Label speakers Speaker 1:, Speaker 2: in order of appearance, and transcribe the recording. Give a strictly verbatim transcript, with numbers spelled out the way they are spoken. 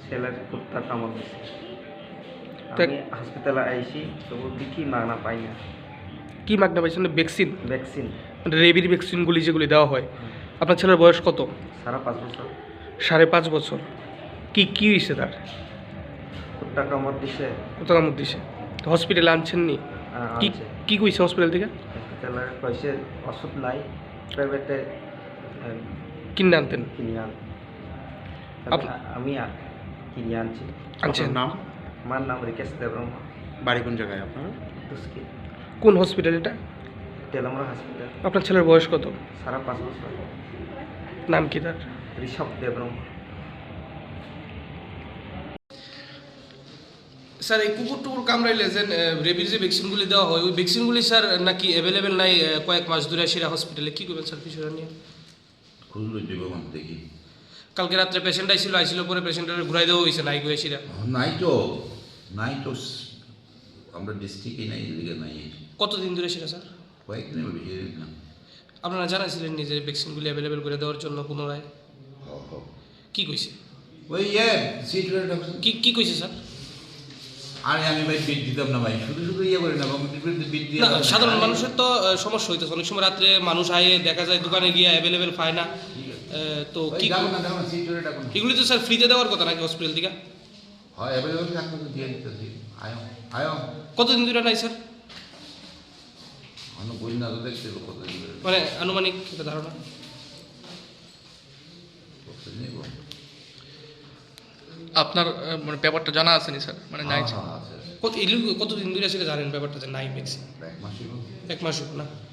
Speaker 1: ছেলের কুত্তা কামড় দিছে। আমি হসপিটালে আইছি, তবু দেখি মাগনা পাই না।
Speaker 2: কি মাগনা পাইছেন? ভ্যাকসিন?
Speaker 1: ভ্যাকসিন,
Speaker 2: মানে রেবির ভ্যাকসিনগুলি যেগুলি দেওয়া হয়। আপনার ছেলের বয়স কত?
Speaker 1: সাড়ে পাঁচ বছর।
Speaker 2: সাড়ে পাঁচ বছর। কি কি হয়েছে তার?
Speaker 1: কুত্তা কামড় দিছে।
Speaker 2: কত কামড় দিছে? হসপিটালে আনছেন নি? কি কি কইছে হসপিটাল থেকে?
Speaker 1: হসপিটালে কইছে ওষুধ নাই, প্রাইভেটে
Speaker 2: কিনে আনতেন?
Speaker 1: কিনে আন। আমি কিনে আনছি।
Speaker 2: আনছেন?
Speaker 3: নাম?
Speaker 1: আমার নাম রিকেশ দেববর্মা।
Speaker 3: বাড়ি কোন জায়গায় আপনার?
Speaker 1: দুষ্কি
Speaker 2: কোন হসপিটাল এটা?
Speaker 1: তেলামরা হসপিটাল।
Speaker 2: আপনার ছেলের বয়স কত?
Speaker 1: সাড়ে পাঁচ বছর।
Speaker 2: নাম কি তার?
Speaker 1: ঋষভ দেববর্মা।
Speaker 2: স্যার, এই কুকুর টুকুর কামড়াইলে যে রেবির যে ভ্যাকসিনগুলি দেওয়া হয়, ওই ভ্যাকসিনগুলি স্যার নাকি অ্যাভেলেবেল নাই কয়েক মাস ধরে সেরা হসপিটালে, কী করবেন স্যার বিষয়টা নিয়ে?
Speaker 4: খুঁজলো জীবন দেখি।
Speaker 2: কালকে রাত্রে পেশেন্ট আইছিল, আইছিল পরে পেশেন্টের ঘুরাই দেওয়া হয়েছে নাই গো এসিরা।
Speaker 4: নাই তো নাই তো আমরা ডিস্ট্রিক্টে নাই, এদিকে নাই।
Speaker 2: কতদিন ধরে সেটা স্যার?
Speaker 4: কয়েকদিন বেশি দিন না।
Speaker 2: আপনারা জানাইছিলেন নিজে ভ্যাকসিনগুলি অ্যাভেলেবেল করে দেওয়ার জন্য পুনরায়? কি কইছে?
Speaker 4: ওই ইয়ে সিট
Speaker 2: কি কি কইছে স্যার?
Speaker 4: আরে আমি ভাই বিট দিতাম না ভাই, শুধু শুধু ইয়ে করি না, বিট দিয়ে
Speaker 2: না, সাধারণ মানুষের তো সমস্যা হইতেছে। অনেক সময় রাত্রে মানুষ আয়ে দেখা যায় দোকানে গিয়ে অ্যাভেলেবেল পায় না, তো কি এগুলি তো স্যার ফ্রিতে দেওয়ার কথা নাকি হসপিটাল থেকে?
Speaker 4: হয় অ্যাভেলেবল থাকলে তো দিয়ে দিতেছি। আয়ো আয়ো
Speaker 2: কতদিন ধরে নাই স্যার?
Speaker 4: অন্য বই না তো দেখতে কতদিন ধরে
Speaker 2: মানে আনুমানিক একটা ধারণা?
Speaker 4: নেব।
Speaker 5: আপনার মানে ব্যাপারটা জানা আছে নি স্যার? মানে নাই
Speaker 4: হ্যাঁ, আছে, আছে।
Speaker 2: কত এগুলি কতদিন ধরে সেটা জানেন ব্যাপারটা যে নাই ভ্যাকসিন?
Speaker 4: এক মাসই হোক।
Speaker 2: এক মাস হোক না?